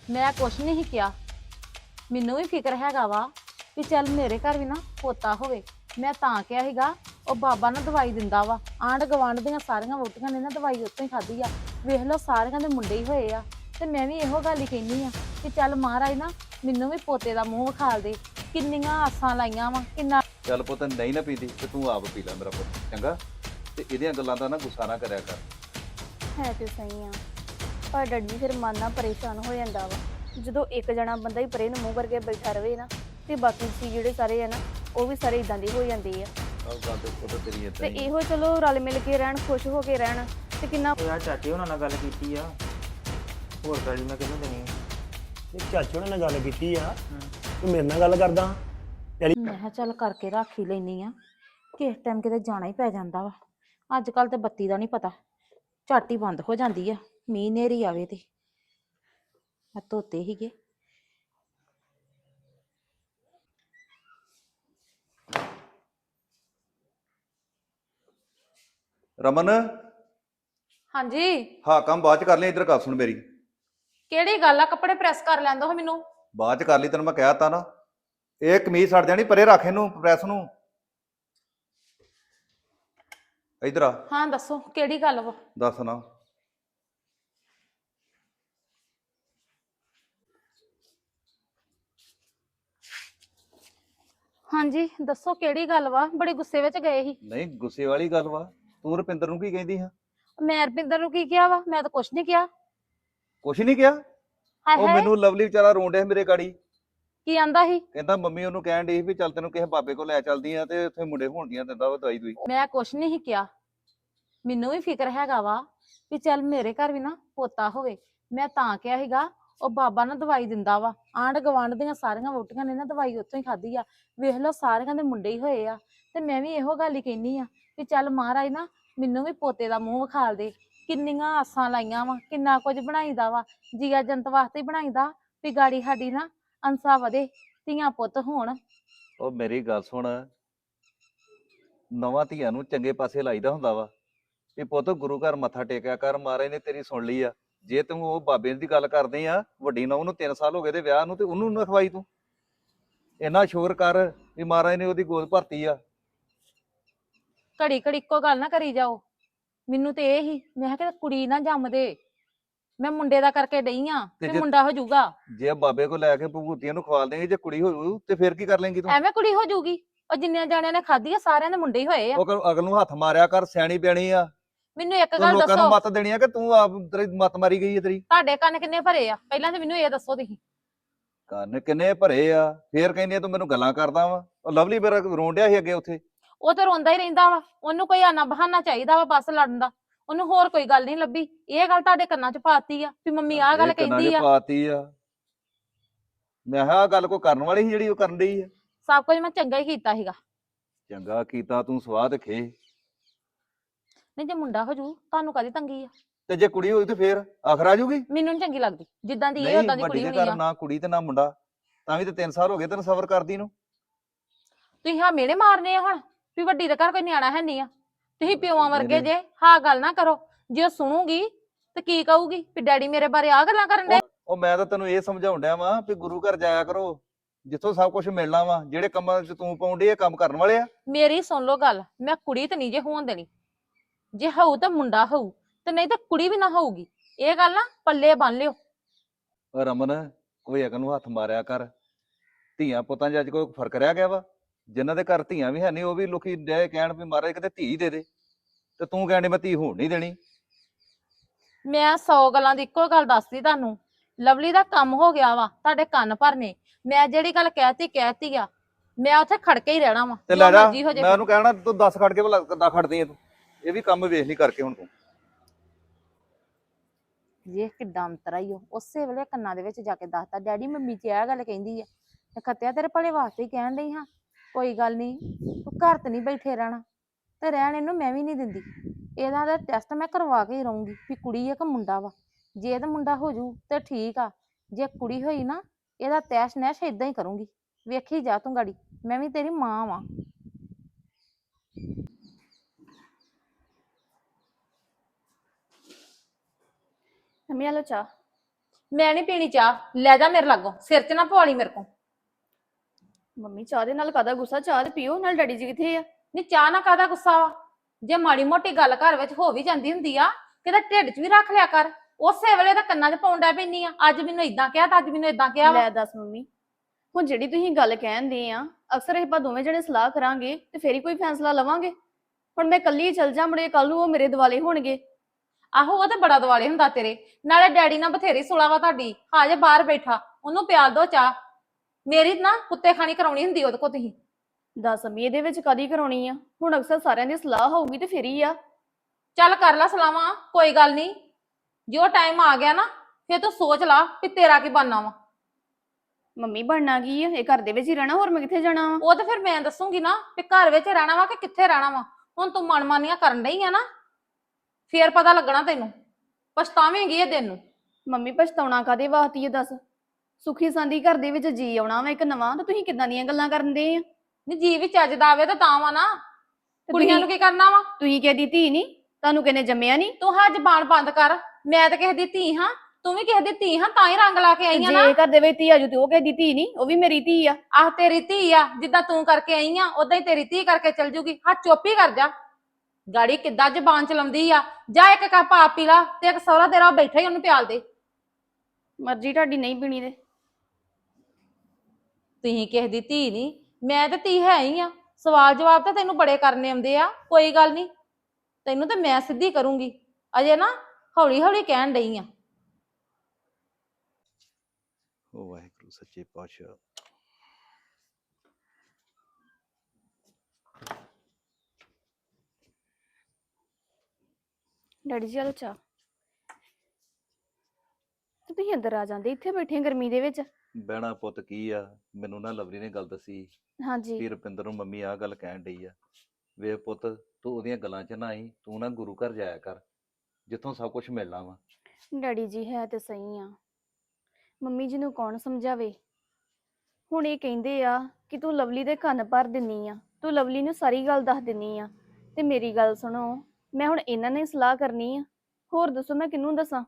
ਮੈਂ ਕੁਛ ਨਹੀਂ ਕਿਹਾ। ਮੈਨੂੰ ਵੀ ਫਿਕਰ ਹੈਗਾ ਵਾ ਕਿ ਚੱਲ ਮੇਰੇ ਘਰ ਵੀ ਨਾ ਪੋਤਾ ਹੋਵੇ। ਮੈਂ ਤਾਂ ਕਿਹਾ ਸੀਗਾ ਉਹ ਬਾਬਾ ਨਾ ਦਵਾਈ ਦਿੰਦਾ ਵਾ, ਆਂਢ ਗਵਾਂਢ ਦੀਆਂ ਸਾਰੀਆਂ ਵੋਟੀਆਂ ਨੇ ਨਾ ਦਵਾਈ ਉੱਥੋਂ ਹੀ ਖਾਧੀ ਆ। ਵੇਖ ਲਓ ਸਾਰਿਆਂ ਦੇ ਮੁੰਡੇ ਹੀ ਹੋਏ ਆ, ਤੇ ਮੈਂ ਵੀ ਇਹੋ ਗੱਲ ਹੀ ਕਹਿੰਦੀ ਆ ਕਿ ਚੱਲ ਮਹਾਰਾਜ ਨਾ ਮੈਨੂੰ ਵੀ ਪੋਤੇ ਦਾ ਮੂੰਹ ਵਿਖਾਲ ਦੇ। ਕਿੰਨੀਆਂ ਆਸਾਂ ਲਾਈਆਂ ਵਾ, ਕਿੰਨਾ। ਚੱਲ ਪੁੱਤ ਨਹੀਂ ਨਾ ਪੀਂਦੀ ਤੇ ਤੂੰ ਆਪ ਪੀ ਲੈ ਮੇਰਾ ਪੁੱਤ, ਚੰਗਾ। ਤੇ ਇਹਦੀਆਂ ਗੱਲਾਂ ਦਾ ਨਾ ਗੁੱਸਾ ਨਾ ਕਰਿਆ ਕਰ। ਹੈ ਤੇ ਸਹੀ ਆ, ਪਰ ਡੈਡੀ ਜੀ ਫਿਰ ਮਨ ਨਾ ਪਰੇਸ਼ਾਨ ਹੋ ਜਾਂਦਾ ਵਾ। ਜਦੋਂ ਇੱਕ ਜਣਾ ਬੰਦਾ ਹੀ ਪਰੇ ਨੂੰ ਮੂੰਹ ਕਰਕੇ ਬੈਠਾ ਰਵੇ ਨਾ, ਤੇ ਬਾਕੀ ਸੀ ਜਿਹੜੇ ਸਾਰੇ ਆ ਨਾ ਉਹ ਵੀ ਸਾਰੇ ਇਦਾਂ ਦੇ ਹੋ ਜਾਂਦੇ ਆ। ਆਹ ਗੱਲ ਤੇ ਪੁੱਤ ਤੇਰੀ ਤੇ ਏਦਾਂ ਹੀ ਇਹੋ ਚਲੋ ਰਲ ਮਿਲ ਕੇ ਰਹਿਣ, ਖੁਸ਼ ਹੋ ਕੇ ਰਹਿਣ, ਤੇ ਕਿੰਨਾ ਯਾਰ ਚਾਚੇ ਉਹਨਾਂ ਨਾਲ ਗੱਲ ਕੀਤੀ ਆ, ਹੋਰ ਗਾੜੀ ਮੈਂ ਕਿਹਨੂੰ ਦੇਣੀ ਆ? ਇਹ ਚਾਚੇ ਉਹਨਾਂ ਨਾਲ ਗੱਲ ਕੀਤੀ ਆ, ਤੂੰ ਮੇਰੇ ਨਾਲ ਗੱਲ ਕਰਦਾ। ਮੈਂ ਕਿਹਾ ਚੱਲ ਕਰਕੇ ਰੱਖ ਹੀ ਲੈਣੀ ਆ, ਕਿਸ ਟਾਈਮ ਕਿਤੇ ਜਾਣਾ ਹੀ ਪੈ ਜਾਂਦਾ ਵਾ। ਅੱਜ ਕੱਲ ਤੇ ਬੱਤੀ ਦਾ ਨਹੀਂ ਪਤਾ, ਝੱਟ ਹੀ ਬੰਦ ਹੋ ਜਾਂਦੀ ਆ, ਮੀਂਹ ਨੇਰੀ ਆਵੇ ਤੇ। ਆ ਧੋਤੇ ਹੀਗੇ। ਰਮਨ, ਹਾਂਜੀ, ਹਾਂ ਕੰਮ ਬਾਅਦ ਚ ਕਰ ਲਈ, ਇੱਧਰ ਗੱਲ ਸੁਣ ਮੇਰੀ। ਕਿਹੜੀ ਗੱਲ ਆ? ਕੱਪੜੇ ਪ੍ਰੈਸ ਕਰ ਲੈਂਦੋ ਮੈਨੂੰ। ਬਾਅਦ ਚ ਕਰ ਲਈ, ਤੈਨੂੰ ਮੈਂ ਕਹਿ ਤਾ ਨਾ। ਇਹ ਕਮੀਜ਼ ਸੜ ਜਾਣੀ, ਪਰੇ ਰੱਖ ਇਹਨੂੰ ਪ੍ਰੈਸ ਨੂੰ। ਇੱਧਰ ਆ, ਹਾਂ ਦੱਸੋ ਕਿਹੜੀ ਗੱਲ ਵਾ? ਦੱਸ ਨਾ। ਹਾਂਜੀ ਦੱਸੋ ਕਿਹੜੀ ਗੱਲ ਵਾ? ਬੜੇ ਗੁੱਸੇ ਵਿੱਚ ਗਏ ਸੀ। ਨਹੀਂ ਗੁੱਸੇ ਵਾਲੀ ਗੱਲ ਵਾ, ਤੂੰ ਰੁਪਿੰਦਰ ਨੂੰ ਕੀ ਕਹਿੰਦੀ ਹਾਂ? ਮੈਂ ਰਪਿੰਦਰ ਨੂੰ ਕੀ ਕਿਹਾ ਵਾ? ਮੈਂ ਤਾਂ ਕੁਛ ਨਹੀਂ ਕਿਹਾ। ਕੁਛ ਨਹੀਂ ਕਿਹਾ। ਹਾਏ ਉਹ ਹਾਏ, ਮੈਨੂੰ ਲਵਲੀ ਵਿਚਾਰਾ ਰੋਣ ਡਿਆ ਮੇਰੇ ਗਾੜੀ। ਕੀ ਆਂਦਾ ਸੀ? ਕਹਿੰਦਾ ਮੰਮੀ ਉਹਨੂੰ ਕਹਿਣ ਡਈ ਵੀ ਚੱਲ ਤੈਨੂੰ ਕਿਸੇ ਬਾਬੇ ਕੋਲ ਲੈ ਚੱਲਦੀ ਆ, ਤੇ ਉੱਥੇ ਮੁੰਡੇ ਹੋਣਦੀਆਂ ਦਿੰਦਾ ਵਾ ਦਵਾਈ ਦੂਈ। ਮੈਂ ਕੁਛ ਨਹੀਂ ਕਿਹਾ। ਮੈਨੂੰ ਵੀ ਫਿਕਰ ਹੈਗਾ ਵਾ ਵੀ ਚੱਲ ਮੇਰੇ ਘਰ ਵੀ ਨਾ ਪੋਤਾ ਹੋਵੇ। ਮੈਂ ਤਾਂ ਕਿਹਾ ਸੀਗਾ ਉਹ ਬਾਬਾ ਨਾ ਦਵਾਈ ਦਿੰਦਾ ਵਾ, ਆਂਢ ਗਵਾਂਢ ਦੀਆਂ ਸਾਰੀਆਂ ਵੋਟੀਆਂ ਨੇ ਨਾ ਦਵਾਈ ਉੱਥੋਂ ਹੀ ਖਾਧੀ ਆ। ਵੇਖ ਲਓ ਸਾਰਿਆਂ ਦੇ ਮੁੰਡੇ ਹੀ ਹੋਏ ਆ, ਤੇ ਮੈਂ ਵੀ ਇਹੋ ਗੱਲ ਹੀ ਕਹਿੰਦੀ ਆ ਵੀ ਚੱਲ ਮਹਾਰਾਜ ਨਾ ਮੈਨੂੰ ਵੀ ਪੋਤੇ ਦਾ ਮੂੰਹ ਵਿਖਾਲ ਦੇ। ਕਿੰਨੀਆਂ ਆਸਾਂ ਲਾਈਆਂ ਵਾ, ਕਿੰਨਾ ਕੁਝ ਬਣਾਈਦਾ ਵਾ, ਜੀਆ ਜੰਤ ਵਾਸਤੇ ਹੀ ਬਣਾਈਦਾ ਵੀ ਗਾੜੀ ਸਾਡੀ ਨਾ ਅੰਸਾ ਵਧੇ, ਧੀਆਂ ਪੁੱਤ ਹੋਣ। ਉਹ ਮੇਰੀ ਗੱਲ ਸੁਣ, ਨਵਾਂ ਧੀਆਂ ਨੂੰ ਚੰਗੇ ਪਾਸੇ ਲਾਈਦਾ ਹੁੰਦਾ ਵਾ ਵੀ ਪੁੱਤ ਗੁਰੂ ਘਰ ਮੱਥਾ ਟੇਕਿਆ ਕਰ, ਮਹਾਰਾਜ ਨੇ ਤੇਰੀ ਸੁਣ ਲਈ ਆ। ਜੇ ਤੂੰ ਉਹ ਬਾਬੇ ਦੀ ਗੱਲ ਕਰਦੇ ਆ, ਵੱਡੀ ਨੌਂ ਨੂੰ 3 ਸਾਲ ਹੋ ਗਏ ਤੇ ਵਿਆਹ ਨੂੰ, ਤੇ ਉਹਨੂੰ ਨਾ ਖਵਾਈ ਤੂੰ। ਇੰਨਾ ਸ਼ੁਕਰ ਕਰ ਵੀ ਮਹਾਰਾਜ ਨੇ ਉਹਦੀ ਗੋਦ ਭਰਤੀ ਆ। ਘੜੀ ਘੜੀ ਇੱਕੋ ਗੱਲ ਨਾ ਕਰੀ ਜਾਓ। ਮੈਨੂੰ ਤੇ ਇਹ ਹੀ, ਮੈਂ ਕਿਹਾ ਕਿ ਕੁੜੀ ਨਾ ਜੰਮ ਦੇ। ਮੈਂ ਮੁੰਡੇ ਦਾ ਕਰਕੇ ਡਈ ਆ ਤੇ ਤੇ ਜੇ ਮੁੰਡਾ ਹੋ ਜਾਊਗਾ। ਜੇ ਬਾਬੇ ਕੋਲ ਲੈ ਕੇ ਭਗੂਤੀਆਂ ਨੂੰ ਖਵਾਲ ਦੇਂਗੇ, ਜੇ ਕੁੜੀ ਹੋਊ ਤੇ ਫਿਰ ਕੀ ਕਰ ਲੇਂਗੀ ਤੂੰ? ਐਵੇਂ ਕੁੜੀ ਹੋ ਜਾਊਗੀ? ਉਹ ਜਿੰਨਿਆਂ ਜਾਣਿਆਂ ਨੇ ਖਾਧੀ ਆ ਸਾਰਿਆਂ ਦੇ ਮੁੰਡੇ ਹੀ ਹੋਏ ਆ। ਉਹ ਅਗਲ ਨੂੰ ਹੱਥ ਮਾਰਿਆ ਕਰ, ਸਿਆਣੀ ਬਿਆਣੀ ਆ। ਮੈਨੂੰ ਇੱਕ ਤੂੰ ਗੱਲ ਲੋਕਾਂ ਨੂੰ ਦੱਸੋ, ਮੱਤ ਦੇਣੀ ਆ ਕਿ ਤੂੰ ਆਪ ਤੇਰੀ ਮੱਤ ਮਾਰੀ ਗਈ ਹੈ ਤੇਰੀ? ਤੁਹਾਡੇ ਕੰਨ ਕਿੰਨੇ ਭਰੇ ਆ? ਪਹਿਲਾਂ ਤੇ ਮੈਨੂੰ ਇਹ ਦੱਸੋ ਤੁਸੀਂ। ਕੰਨ ਕਿੰਨੇ ਭਰੇ ਆ? ਫੇਰ ਕਹਿੰਦੀ ਆ ਤੂੰ ਮੈਨੂੰ ਗੱਲਾਂ ਕਰਦਾ ਵਾ। ਉਹ ਲਵਲੀ ਮੇਰਾ ਰੋਣ ਡਿਆ ਸੀ ਅੱਗੇ ਉੱਥੇ। ਉਹ ਤਾਂ ਰੋਂਦਾ ਹੀ ਰਹਿੰਦਾ ਵਾ, ਉਹਨੂੰ ਕੋਈ ਆਨਾ ਬਹਾਨਾ ਚਾਹੀਦਾ ਵਾ ਬਸ ਲੜਨ ਦਾ। ਉਹਨੂੰ ਹੋਰ ਕੋਈ ਗੱਲ ਨਹੀਂ ਲੱਭੀ। ਇਹ ਗੱਲ ਤੁਹਾਡੇ ਕੰਨਾਂ 'ਚ ਪਾਤੀ ਆ ਵੀ ਮੰਮੀ ਆਹ ਗੱਲ ਇਹ ਕੰਨਾਂ 'ਚ ਕਹਿੰਦੀ ਆ। ਪਾਤੀ ਆ। ਮੈਂ ਕਿਹਾ ਆਹ ਗੱਲ ਕੋਈ ਕਰਨ ਵਾਲੀ ਸੀ ਜਿਹੜੀ ਉਹ ਕਰਨ ਡਈ ਆ? ਸਭ ਕੁਝ ਮੈਂ ਚੰਗਾ ਹੀ ਕੀਤਾ ਸੀਗਾ। ਚੰਗਾ ਕੀਤਾ ਤੂੰ, ਸਵਾਹ ਤੇ ਖੇ। ਨਹੀਂ ਜੇ ਮੁੰਡਾ ਹੋ ਜੂ ਤੁਹਾਨੂੰ ਕਾਹਦੀ ਤੰਗੀ ਆ? ਤੇ ਜੇ ਕੁੜੀ ਹੋਈ ਤੇ ਫੇਰ ਆਖਰ ਆ ਜੂਗੀ? ਮੈਨੂੰ ਨੀ ਚੰਗੀ ਲੱਗਦੀ ਜਿੱਦਾਂ ਦੀ ਇਹ ਨਹੀਂ, ਉਦਾਂ ਦੀ ਵੱਡੀ ਕੁੜੀ ਦੇ ਹੋਣੀ ਘਰ ਆ। ਨਾ ਕੁੜੀ ਤੇ ਨਾ ਮੁੰਡਾ, ਤਾਂ ਵੀ ਤੇ 3 ਸਾਲ ਹੋ ਗਏ ਤੈਨੂੰ ਸਬਰ ਕਰਦੀ ਨੂੰ। ਤੁਸੀਂ ਹਾਂ ਮਿਹਣੇ ਮਾਰਨੇ ਆ ਹੁਣ ਵੀ ਵੱਡੀ ਦੇ ਘਰ ਕੋਈ ਨਿਆਣਾ ਹੈ ਨਹੀਂ ਆ। ਤੁਸੀਂ ਪਿਓਾਂ ਵਰਗੇ ਮੇਰੇ- ਜੇ, ਹਾਂ ਗੱਲ ਨਾ ਕਰੋ। ਜੇ ਉਹ ਸੁਣੂਗੀ ਤੇ ਕੀ ਕਹੂਗੀ ਵੀ ਡੈਡੀ ਮੇਰੇ ਬਾਰੇ ਆ ਗੱਲਾਂ ਕਰਨ ਦੇ। ਉਹ ਮੈਂ ਤਾਂ ਤੈਨੂੰ ਇਹ ਸਮਝਾਉਣ ਡਿਆ ਵਾਂ ਵੀ ਗੁਰੂ ਘਰ ਜਾਇਆ ਕਰੋ, ਜਿੱਥੋਂ ਸਭ ਕੁਝ ਮਿਲਣਾ ਵਾ। ਜਿਹੜੇ ਕੰਮਾਂ 'ਚ ਤੂੰ ਪਾਉਂਦੀ ਇਹ ਕੰਮ ਕਰਨ ਵਾਲੇ ਆ। ਮੇਰੀ ਸੁਣ ਲਓ ਗੱਲ, ਮੈਂ ਕੁੜੀ ਤੇ ਨਹੀਂ ਜੇ ਹੋਣ ਦੇਣੀ। ਜੇ ਹੋਊ ਤਾਂ ਮੁੰਡਾ ਹੋਊ, ਤੇ ਨਹੀਂ ਤਾਂ ਕੁੜੀ ਵੀ ਨਾ ਹੋਊਗੀ। ਇਹ ਗੱਲ ਨਾ ਪੱਲੇ ਬੰਨ ਲਿਓ। ਉਹ ਰਮਨ, ਕੋਈ ਅਗਨ ਨੂੰ ਹੱਥ ਮਾਰਿਆ ਕਰ। ਧੀਆਂ ਪੁੱਤਾਂ 'ਚ ਅੱਜ ਕੋਈ ਫਰਕ ਰਹਿ ਗਿਆ ਵਾ? ਜਿਨ੍ਹਾਂ ਦੇ ਘਰ ਧੀਆਂ ਵੀ ਹੈ ਨਹੀਂ, ਉਹ ਵੀ ਲੋਕੀ ਡੇ ਕਹਿਣ ਵੀ ਮਹਾਰਾਜ ਕਿਤੇ ਧੀ ਦੇ ਦੇ, ਤੇ ਤੂੰ ਕਹਿਣ ਡਈ ਮੈਂ ਧੀ ਹੋਣ ਨਹੀਂ ਦੇਣੀ। ਮੈਂ 100 ਗੱਲਾਂ ਦੀ ਇੱਕੋ ਗੱਲ ਦੱਸਦੀ ਤੁਹਾਨੂੰ। ਲਵਲੀ ਦਾ ਕੰਮ ਹੋ ਗਿਆ ਵਾ, ਤੁਹਾਡੇ ਕੰਨ ਭਰਨੇ। ਮੈਂ ਜਿਹੜੀ ਗੱਲ ਕਹਿਤੀ ਆ। ਮੈਂ ਉੱਥੇ ਖੜਕੇ ਹੀ ਰਹਿਣਾ ਵਾ, ਤੇ ਜੋ ਲੈ ਜਾ, ਮਰਜ਼ੀ ਹੋ ਜੇ। ਮੈਂ ਉਹਨੂੰ ਕਹਿਣਾ ਤੂੰ 10 ਖੜ ਕੇ ਭਲਾ ਕਿੱਦਾਂ ਖੜਦੀ ਐ ਤੂੰ? ਇਹ ਵੀ ਕੰਮ ਵੇਖ ਨਹੀਂ ਕਰਕੇ ਹੁਣ ਤੂੰ। ਇਹ ਕਿੱਡਾ ਅੰਤਰਾ ਹੀ ਉਸੇ ਵੇਲੇ ਕੰਨਾਂ ਦੇ ਵਿੱਚ ਜਾ ਕੇ ਦੱਸਤਾ, ਡੈਡੀ ਮੰਮੀ ਜੀ ਇਹ ਗੱਲ ਕਹਿੰਦੀ ਆ। ਤੇ ਖੱਤਿਆ ਤੇਰੇ ਭਲੇ ਵਾਸਤੇ ਹੀ ਕਹਿਣ ਡਈ ਹਾਂ। ਕੋਈ ਗੱਲ ਨਹੀਂ, ਤੂੰ ਘਰ ਤੇ ਨਹੀਂ ਬੈਠੇ ਰਹਿਣਾ, ਤੇ ਰਹਿਣ ਇਹਨੂੰ ਮੈਂ ਵੀ ਨਹੀਂ ਦਿੰਦੀ। ਇਹਦਾ ਦਾ ਟੈਸਟ ਮੈਂ ਕਰਵਾ ਕੇ ਹੀ ਰਹੂੰਗੀ ਵੀ ਕੁੜੀ ਆ ਕਿ ਮੁੰਡਾ ਵਾ। ਜੇ ਤਾਂ ਮੁੰਡਾ ਹੋ ਜੂ ਤੇ ਠੀਕ ਆ, ਜੇ ਕੁੜੀ ਹੋਈ ਨਾ ਇਹਦਾ ਤੈਸ਼ ਨੈਸ਼ ਏਦਾਂ ਹੀ ਕਰੂੰਗੀ। ਵੇਖੀ ਜਾ ਤੂੰ ਗਾੜੀ, ਮੈਂ ਵੀ ਤੇਰੀ ਮਾਂ ਵਾਂ। ਮੰਮੀ ਆ ਲਓ ਚਾਹ। ਮੈਂ ਨਹੀਂ ਪੀਣੀ ਚਾਹ, ਲੈ ਜਾ ਮੇਰੇ ਲਾਗੋਂ, ਸਿਰ 'ਚ ਨਾ ਪਵਾਲੀ ਮੇਰੇ ਕੋਲ। ਮੰਮੀ ਚਾਹ ਦੇ ਨਾਲ ਕਾਹਦਾ ਗੁੱਸਾ, ਚਾਹ ਤੇ ਪੀਓ। ਨਾਲ ਡੈਡੀ ਜੀ ਕਿੱਥੇ ਆ? ਨਹੀਂ ਚਾਹ ਨਾ ਕਾਹਦਾ ਗੁੱਸਾ ਵਾ, ਜੇ ਮਾੜੀ ਮੋਟੀ ਗੱਲ ਘਰ ਵਿੱਚ ਹੋ ਵੀ ਜਾਂਦੀ ਹੁੰਦੀ ਆ ਕਿਤੇ ਢਿੱਡ 'ਚ ਵੀ ਰੱਖ ਲਿਆ ਕਰ। ਉਸੇ ਵੇਲੇ ਤਾਂ ਕੰਨਾਂ 'ਚ ਪਾਉਣ ਡੈ ਪੈਂਦੀ ਆ, ਅੱਜ ਮੈਨੂੰ ਇਦਾਂ ਕਿਹਾ ਤਾਂ ਅੱਜ ਮੈਨੂੰ ਇਦਾਂ ਕਿਹਾ ਵਾ। ਲੈ ਦੱਸ ਮੰਮੀ, ਹੁਣ ਜਿਹੜੀ ਤੁਸੀਂ ਗੱਲ ਕਹਿੰਦੇ ਆ, ਅਕਸਰ ਆਪਾਂ ਦੋਵੇਂ ਜਣੇ ਸਲਾਹ ਕਰਾਂਗੇ ਤੇ ਫੇਰ ਹੀ ਕੋਈ ਫੈਸਲਾ ਲਵਾਂਗੇ। ਹੁਣ ਮੈਂ ਇਕੱਲੀ ਚੱਲ ਜਾ, ਮੁੜੇ ਕੱਲ ਨੂੰ ਉਹ ਮੇਰੇ ਦਿਵਾਲੇ ਹੋਣਗੇ। ਆਹੋ ਉਹ ਤੇ ਬੜਾ ਦਿਵਾਲੇ ਹੁੰਦਾ ਤੇਰੇ ਨਾਲੇ। ਡੈਡੀ ਨਾਲ ਬਥੇਰੀ ਸੁਲਾ ਵਾ ਤੁਹਾਡੀ, ਹਾਜੇ ਬਾਹਰ ਬੈਠਾ, ਉਹਨੂੰ ਪਿਆਲ ਦੋ ਚਾਹ। ਮੇਰੀ ਨਾ ਕੁੱਤੇ ਖਾਣੀ ਕਰਾਉਣੀ ਹੁੰਦੀ ਉਹਦੇ ਕੋ ਤੁਸੀਂ। ਦੱਸ ਮੰਮੀ, ਇਹਦੇ ਵਿੱਚ ਕਾਦੀ ਕਰਾਉਣੀ ਆ? ਹੁਣ ਅਕਸਰ ਸਾਰਿਆਂ ਦੀ ਸਲਾਹ ਹੋਊਗੀ ਤੇ ਫੇਰ ਹੀ ਆ। ਚੱਲ ਕਰ ਲੈ ਸਲਾਹਾਂ, ਕੋਈ ਗੱਲ ਨਹੀਂ। ਜੋ ਟਾਈਮ ਆ ਗਿਆ ਨਾ ਫੇਰ ਤੂੰ ਸੋਚ ਲਾ ਵੀ ਤੇਰਾ ਕੀ ਬਣਨਾ ਵਾ। ਮੰਮੀ ਬਣਨਾ ਕੀ ਆ? ਇਹ ਘਰ ਦੇ ਵਿੱਚ ਹੀ ਰਹਿਣਾ, ਹੋਰ ਮੈਂ ਕਿੱਥੇ ਜਾਣਾ ਵਾ? ਉਹ ਤੇ ਫਿਰ ਮੈਂ ਦੱਸੂਗੀ ਨਾ ਵੀ ਘਰ ਵਿੱਚ ਰਹਿਣਾ ਵਾ ਕਿ ਕਿੱਥੇ ਰਹਿਣਾ ਵਾ। ਹੁਣ ਤੂੰ ਮਨਮਾਨੀਆਂ ਕਰਨ ਡਈ ਆ ਨਾ, ਫੇਰ ਪਤਾ ਲੱਗਣਾ ਤੈਨੂੰ, ਪਛਤਾਵੇਂਗੀ ਇਹ ਦਿਨ ਨੂੰ। ਮੰਮੀ ਪਛਤਾਉਣਾ ਕਾਦੇ ਵਾਸਤੇ ਆ ਦੱਸ? ਸੁਖੀ ਸਾਂਦੀ ਘਰ ਦੇ ਵਿੱਚ ਜੀ ਆਉਣਾ ਵਾ ਇੱਕ ਨਵਾਂ, ਤੇ ਤੁਸੀਂ ਕਿੱਦਾਂ ਦੀਆਂ ਗੱਲਾਂ ਕਰਨ ਦੇ ਆ? ਨੀ ਜੀ ਵੀ ਚੱਜ ਦਾ ਆਵੇ ਤਾਂ ਵਾ ਨਾ, ਤੇ ਕੁੜੀਆਂ ਨੂੰ ਕੀ ਕਰਨਾ ਵਾ? ਤੁਸੀਂ ਕਿਹਦੀ ਧੀ ਨਹੀਂ? ਤੁਹਾਨੂੰ ਕਿਹਨੇ ਜੰਮਿਆ ਨਹੀਂ? ਤੂੰ ਹਾਂ ਜ਼ਬਾਨ ਬੰਦ ਕਰ। ਮੈਂ ਤਾਂ ਕਿਸੇ ਦੀ ਧੀ ਹਾਂ, ਤੂੰ ਵੀ ਕਿਸੇ ਦੀ ਧੀ ਹਾਂ, ਤਾਂ ਹੀ ਰੰਗ ਲਾ ਕੇ ਆਈ ਆ ਨਾ। ਜੇ ਘਰ ਦੇ ਵਿੱਚ ਧੀ ਆਜੂ ਤੇ ਉਹ ਕਿਹਦੀ ਧੀ ਨਹੀਂ? ਉਹ ਵੀ ਮੇਰੀ ਧੀ ਆ। ਆਹ ਤੇਰੀ ਧੀ ਆ, ਜਿੱਦਾਂ ਤੂੰ ਕਰਕੇ ਆਈ ਆ ਉਦਾਂ ਹੀ ਤੇਰੀ ਧੀ ਕਰਕੇ ਚਲ ਜੂਗੀ। ਹਾਂ ਚੁੱਪ ਹੀ ਕਰ ਜਾ। ਗਾੜੀ ਕਿੱਦਾਂ ਜ਼ਬਾਨ ਚਲਾਉਂਦੀ ਆ। ਜਾ ਇੱਕ ਕੱਪ ਆਪ ਪੀ ਲਾ ਤੇ ਇੱਕ ਸਹੁਰਾ ਤੇਰਾ ਬੈਠਾ ਹੀ ਉਹਨੂੰ ਪਿਆਲ ਦੇ। ਮਰਜ਼ੀ ਤੁਹਾਡੀ, ਨਹੀਂ ਪੀਣੀ ਤੇ। ਤੁਸੀਂ ਕਿਸੇ ਦੀ ਧੀ ਨਹੀਂ, ਮੈਂ ਤੇ ਧੀ ਹੈ ਹੀ ਆ। ਸਵਾਲ ਜਵਾਬ ਤਾਂ ਤੈਨੂੰ ਬੜੇ ਕਰਨੇ ਆਉਂਦੇ ਆ, ਕੋਈ ਗੱਲ ਨਹੀਂ, ਤੈਨੂੰ ਤੇ ਮੈਂ ਸਿੱਧੀ ਕਰੂੰਗੀ। ਅਜੇ ਨਾ ਹੌਲੀ ਹੌਲੀ ਕਹਿਣ ਡਈ ਆ। ਉਹ ਵਾਹਿਗੁਰੂ ਸੱਚੇ ਪਾਤਸ਼ਾਹ। ਡੈਡੀ ਜੀ ਆਲੋ ਚਾਹ। ਤੇ ਤੁਸੀਂ ਅੰਦਰ ਆ ਜਾਂਦੇ, ਇੱਥੇ ਬੈਠੇ ਗਰਮੀ ਦੇ ਵਿੱਚ। ਬਹਿਣਾ ਪੁੱਤ ਕੀ ਆ, ਮੈਨੂੰ ਨਾ ਲਵਲੀ ਨੇ ਗੱਲ ਦੱਸੀ ਹਾਂਜੀ। ਵੀ ਰੁਪਿੰਦਰ ਨੂੰ ਮੰਮੀ ਆਹ ਗੱਲ ਕਹਿਣ ਡਈ ਆ। ਵੇ ਪੁੱਤ ਤੂੰ ਉਹਦੀਆਂ ਗੱਲਾਂ 'ਚ ਨਾ ਆਈ, ਤੂੰ ਨਾ ਗੁਰੂ ਘਰ ਜਾਇਆ ਕਰ ਜਿੱਥੋਂ ਸਭ ਕੁਝ ਮਿਲਣਾ ਵਾ। ਡੈਡੀ ਜੀ ਹੈ ਤੇ ਸਹੀ ਆ, ਮੰਮੀ ਜੀ ਨੂੰ ਕੌਣ ਸਮਝਾਵੇ? ਹੁਣ ਇਹ ਕਹਿੰਦੇ ਆ ਕਿ ਤੂੰ ਲਵਲੀ ਦੇ ਕੰਨ ਭਰ ਦਿੰਨੀ ਆ, ਤੂੰ ਲਵਲੀ ਨੂੰ ਸਾਰੀ ਗੱਲ ਦੱਸ ਦਿੰਨੀ ਆ। ਤੇ ਮੇਰੀ ਗੱਲ ਸੁਣੋ, ਮੈਂ ਹੁਣ ਇਹਨਾਂ ਨੇ ਸਲਾਹ ਕਰਨੀ ਆ, ਹੋਰ ਦੱਸੋ ਮੈਂ ਕਿਹਨੂੰ ਦੱਸਾਂ?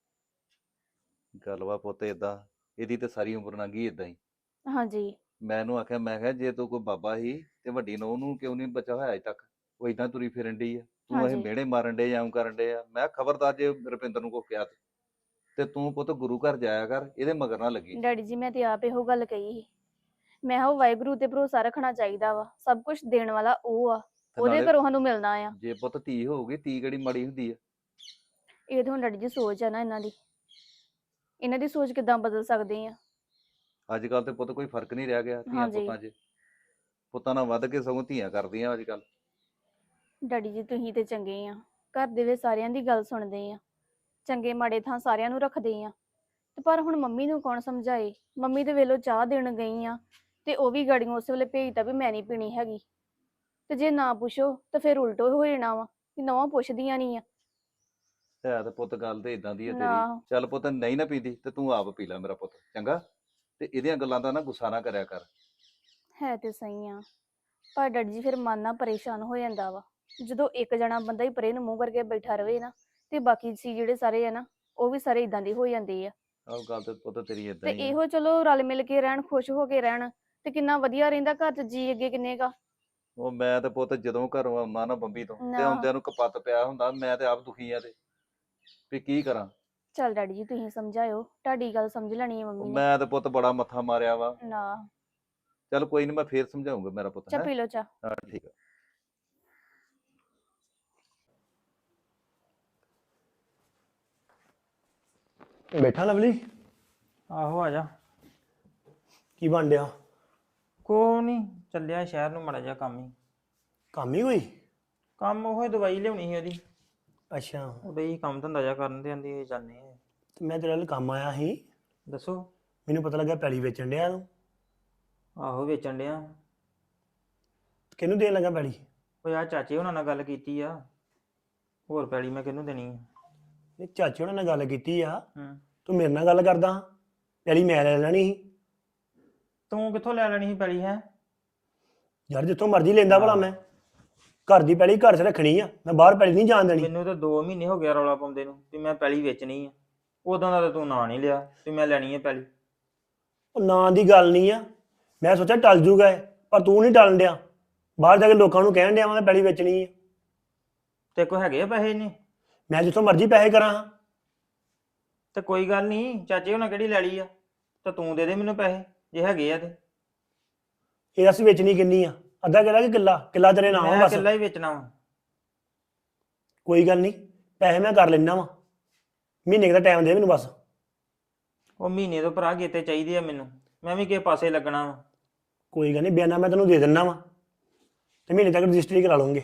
ਗੱਲ ਵਾ ਪੁੱਤ ਏਦਾਂ, ਇਹਦੀ ਤੇ ਸਾਰੀ ਉਮਰ ਲੰਘੀ ਏਦਾਂ ਹੀ। ਹਾਂਜੀ। ਮੈਂ ਇਹਨੂੰ ਆਖਿਆ, ਮੈਂ ਕਿਹਾ ਜੇ ਤੂੰ ਕੋਈ ਬਾਬਾ ਹੀ ਤੇ ਵੱਡੀ ਨੂੰ ਉਹਨੂੰ ਕਿਉਂ ਨਹੀਂ ਬਚਾ ਹੋਇਆ ਅਜੇ ਤੱਕ? ਉਹ ਏਦਾਂ ਤੁਰੀ ਫਿਰਨ ਡਈ ਆ, ਤੂੰ ਇਹ ਹਾਂਜੀ। ਮਿਹਣੇ ਮਾਰਨ ਡੇ ਜਾਂ ਕਰਨ ਡੇ ਆ। ਮੈਂ ਖਬਰਦਾਰ ਜੇ ਰੁਪਿੰਦਰ ਨੂੰ ਕੋ ਕਿਹਾ ਤੇ ਤੂੰ ਪੁੱਤ ਗੁਰੂ ਘਰ ਜਾਇਆ ਕਰ, ਇਹਦੇ ਮਗਰ ਨਾ ਲੱਗੀ। ਡੈਡੀ ਜੀ ਮੈਂ ਤੇ ਆਪ ਇਹੋ ਗੱਲ ਕਹੀ ਸੀ, ਮੈਂ ਕਿਹਾ ਉਹ ਵਾਹਿਗੁਰੂ ਤੇ ਭਰੋਸਾ ਰੱਖਣਾ ਚਾਹੀਦਾ ਵਾ, ਸਭ ਕੁਝ ਦੇਣ ਵਾਲਾ ਉਹ ਆ, ਤੇ ਉਹਦੇ ਨਾਲੇ ਘਰੋਂ ਸਾਨੂੰ ਮਿਲਣਾ ਆ। ਜੇ ਪੁੱਤ ਧੀ ਹੋਊਗੀ, ਧੀ ਕਿਹੜੀ ਮਾੜੀ ਹੁੰਦੀ ਆ? ਇਹ ਤਾਂ ਹੁਣ ਡੈਡੀ ਜੀ ਸੋਚ ਆ ਨਾ ਇਹਨਾਂ ਦੀ ਸੋਚ ਕਿੱਦਾਂ ਬਦਲ ਸਕਦੇ ਆ? ਅੱਜ ਕੱਲ ਤੇ ਪੁੱਤ ਕੋਈ ਫਰਕ ਨਹੀਂ ਰਹਿ ਗਿਆ ਧੀਆਂ ਹਾਂਜੀ। ਪੁੱਤਾਂ 'ਚ। ਪੁੱਤਾਂ ਨਾਲ ਵੱਧ ਕੇ ਸਗੋਂ ਧੀਆਂ ਕਰਦੀਆਂ ਅੱਜ ਕੱਲ। ਡੈਡੀ ਜੀ ਤੁਸੀਂ ਤੇ ਚੰਗੇ ਆ, ਘਰ ਦੇ ਵਿੱਚ ਸਾਰਿਆਂ ਦੀ ਗੱਲ ਸੁਣਦੇ ਆ, ਚੰਗੇ ਮਾੜੇ ਥਾਂ ਸਾਰਿਆਂ ਨੂੰ ਰੱਖਦੇ ਆ। ਤੇ ਪਰ ਹੁਣ ਮੰਮੀ ਨੂੰ ਕੌਣ ਸਮਝਾਏ? ਮੰਮੀ ਦੇ ਵੇਲੋਂ ਚਾਹ ਦੇਣ ਗਈ ਆ ਤੇ ਉਹ ਵੀ ਗਾੜੀਆਂ ਉਸੇ ਵੇਲੇ ਭੇਜਤਾ ਵੀ ਮੈਂ ਨਹੀਂ ਪੀਣੀ ਹੈਗੀ। ਤੇ ਜੇ ਨਾ ਪੁੱਛੋ ਤਾਂ ਫਿਰ ਉਲਟੋ ਹੋ ਜਾਣਾ ਵਾ ਕਿ ਨਵਾਂ ਪੁੱਛਦੀਆਂ ਨਹੀਂ ਆ। ਹੈ ਤੇ ਪੁੱਤ ਗੱਲ ਤੇ ਇਦਾਂ ਦੀ ਆ ਨਾ। ਤੇਰੀ। ਚੱਲ ਪੁੱਤ ਨਹੀਂ ਨਾ ਪੀਂਦੀ ਤੇ ਤੂੰ ਆਪ ਪੀ ਲੈ ਮੇਰਾ ਪੁੱਤ, ਚੰਗਾ? ਤੇ ਇਹਦੀਆਂ ਗੱਲਾਂ ਦਾ ਨਾ ਗੁੱਸਾ ਨਾ ਕਰਿਆ ਕਰ। ਹੈ ਤੇ ਸਹੀ ਆ, ਪਰ ਡੈਡੀ ਜੀ ਫਿਰ ਮਨ ਨਾ ਪਰੇਸ਼ਾਨ ਹੋ ਜਾਂਦਾ ਵਾ ਜਦੋਂ ਇੱਕ ਜਣਾ ਬੰਦਾ ਹੀ ਪਰੇ ਨੂੰ ਮੂੰਹ ਕਰਕੇ ਬੈਠਾ ਰਵੇ ਨਾ, ਤੇ ਬਾਕੀ ਸੀ ਜਿਹੜੇ ਸਾਰੇ ਆ ਨਾ ਉਹ ਵੀ ਸਾਰੇ ਇਦਾਂ ਦੇ ਹੋ ਜਾਂਦੇ ਆ। ਆਹ ਗੱਲ ਤੇ ਪੁੱਤ ਤੇਰੀ ਤੇ ਇਦਾਂ ਹੀ ਆ। ਇਹੋ ਚਲੋ ਰਲ ਮਿਲ ਕੇ ਰਹਿਣ, ਖੁਸ਼ ਹੋ ਕੇ ਰਹਿਣ ਤੇ ਕਿੰਨਾ ਵਧੀਆ ਰਹਿੰਦਾ ਘਰ 'ਚ, ਜੀ ਅੱਗੇ ਕਿੰਨੇ ਕਾ। ਉਹ ਮੈਂ ਤੇ ਪੁੱਤ ਜਦੋਂ ਘਰੋਂ ਆਉਣਾ ਨਾ ਬੰਬੀ ਤੋਂ, ਤੇ ਨਾ। ਆਉਂਦਿਆਂ ਨੂੰ ਕਪੱਤ ਪਿਆ ਹੁੰਦਾ। ਮੈਂ ਤੇ ਆਪ ਦੁਖੀ ਆ ਤੇ ਵੀ ਕੀ ਕਰਾਂ। ਚੱਲ ਡੈਡੀ ਜੀ ਤੁਸੀਂ ਸਮਝਾਇਓ, ਤੁਹਾਡੀ ਗੱਲ ਸਮਝ ਲੈਣੀ ਹੈ ਮੰਮੀ ਨੇ। ਮੈਂ ਤੇ ਪੁੱਤ ਬੜਾ ਮੱਥਾ ਮਾਰਿਆ ਵਾ। ਨਾ। ਚੱਲ ਕੋਈ ਨਹੀਂ, ਮੈਂ ਫੇਰ ਸਮਝਾਉਂਗਾ ਮੇਰਾ ਪੁੱਤ। ਚਾਹ ਹੈਂ? ਪੀ ਲਓ ਚਾਹ। ਹਾਂ ਠੀਕ ਆ। ਬੈਠਾ ਲਵਲੀ, ਆਹੋ ਆ ਜਾ। ਕੀ ਬਣ ਡਿਆ? ਕੋਈ ਨਹੀਂ, ਚੱਲਿਆ ਸ਼ਹਿਰ ਨੂੰ ਮਾੜਾ ਜਿਹਾ ਕੰਮ ਹੀ। ਕੰਮ ਹੀ ਕੋਈ? ਕੰਮ ਉਹ ਦਵਾਈ ਲਿਆਉਣੀ ਸੀ ਉਹਦੀ, ਅੱਛਾ। ਉਹਦੇ ਹੀ ਕੰਮ ਧੰਦਾ ਜਿਹਾ ਕਰਨ ਦੇ ਆਂਦੀ ਜਾਂਦੇ ਆ। ਤੇ ਮੈਂ ਤੇਰੇ ਨਾਲ ਕੰਮ ਆਇਆ ਸੀ, ਦੱਸੋ। ਮੈਨੂੰ ਪਤਾ ਲੱਗਾ ਪੈਲੀ ਵੇਚਣ ਡਿਆ ਤੂੰ। ਆਹੋ ਵੇਚਣ ਡਿਆ। ਕਿਹਨੂੰ ਦੇਣ ਲੱਗਾ ਪੈਲੀ? ਉਹ ਆ ਚਾਚੇ ਉਹਨਾਂ ਨਾਲ ਗੱਲ ਕੀਤੀ ਆ, ਹੋਰ ਪੈਲੀ ਮੈਂ ਕਿਹਨੂੰ ਦੇਣੀ ਆ? ਇਹ ਚਾਚੇ ਉਹਨਾਂ ਨਾਲ ਗੱਲ ਕੀਤੀ ਆ, ਹੂੰ। ਤੂੰ ਮੇਰੇ ਨਾਲ ਗੱਲ ਕਰਦਾ? ਪੈਲੀ ਮੈਂ ਲੈ ਲੈਣੀ ਸੀ। ਤੂੰ ਕਿੱਥੋਂ ਲੈ ਲੈਣੀ ਸੀ ਪੈਲੀ? ਹੈ ਯਾਰ ਜਿੱਥੋਂ ਮਰਜ਼ੀ ਲੈਂਦਾ ਭਲਾ ਮੈਂ। ਘਰ ਦੀ ਪੈਲੀ ਘਰ 'ਚ ਰੱਖਣੀ ਆ, ਮੈਂ ਬਾਹਰ ਪੈਲੀ ਨਹੀਂ ਜਾਣ ਦੇਣੀ। ਮੈਨੂੰ ਤਾਂ 2 ਮਹੀਨੇ ਹੋ ਗਿਆ ਰੌਲਾ ਪਾਉਂਦੇ ਨੂੰ ਵੀ ਮੈਂ ਪੈਲੀ ਵੇਚਣੀ ਆ। ਉਦੋਂ ਦਾ ਤਾਂ ਤੂੰ ਨਾਂ ਨਹੀਂ ਲਿਆ ਵੀ ਮੈਂ ਲੈਣੀ ਹੈ ਪੈਲੀ। ਉਹ ਨਾਂ ਦੀ ਗੱਲ ਨਹੀਂ ਆ, ਮੈਂ ਸੋਚਿਆ ਟਲ ਜੂਗਾ ਇਹ, ਪਰ ਤੂੰ ਨਹੀਂ ਟਲਣ ਡਿਆ। ਬਾਹਰ ਜਾ ਕੇ ਲੋਕਾਂ ਨੂੰ ਕਹਿਣ ਡਿਆ ਮੈਂ ਪੈਲੀ ਵੇਚਣੀ ਆ। ਤੇ ਕੋ ਹੈਗੇ ਆ ਪੈਸੇ ਇਹਨੇ? ਮੈਂ ਜਿੱਥੋਂ ਮਰਜ਼ੀ ਪੈਸੇ ਕਰਾਂ ਹਾਂ। ਤੇ ਕੋਈ ਗੱਲ ਨਹੀਂ, ਚਾਚੇ ਉਹਨਾਂ ਕਿਹੜੀ ਲੈ ਲਈ ਆ, ਤਾਂ ਤੂੰ ਦੇ ਦੇ ਮੈਨੂੰ ਪੈਸੇ ਜੇ ਹੈਗੇ ਆ ਤੇ। ਇਹ ਅਸੀਂ ਵੇਚਣੀ ਕਿੰਨੀ ਆ? ਅੱਧਾ ਕਿੱਲਾ ਕਿ ਕਿੱਲਾ? ਕਿੱਲਾ ਤੇਰੇ ਨਾਮ ਆ ਮੈਂ ਬਸ। ਇਕੱਲਾ ਹੀ ਵੇਚਣਾ ਵਾ। ਕੋਈ ਗੱਲ ਨਹੀਂ, ਪੈਸੇ ਮੈਂ ਕਰ ਲੈਣਾ ਵਾ। ਮਹੀਨੇ ਕੁ ਦਾ ਟਾਈਮ ਦੇ ਮੈਨੂੰ ਬਸ। ਉਹ ਮਹੀਨੇ ਤੋਂ ਭਰਾ ਗੇਤੇ ਚਾਹੀਦੇ ਆ ਮੈਨੂੰ, ਮੈਂ ਵੀ ਕਿਸੇ ਪਾਸੇ ਲੱਗਣਾ ਵਾ। ਕੋਈ ਗੱਲ ਨਹੀਂ, ਬਿਆਨਾ ਮੈਂ ਤੈਨੂੰ ਦੇ ਦਿੰਦਾ ਵਾ ਤੇ ਮਹੀਨੇ ਤੱਕ ਰਜਿਸਟਰੀ ਕਰਾ ਲਵਾਂਗੇ।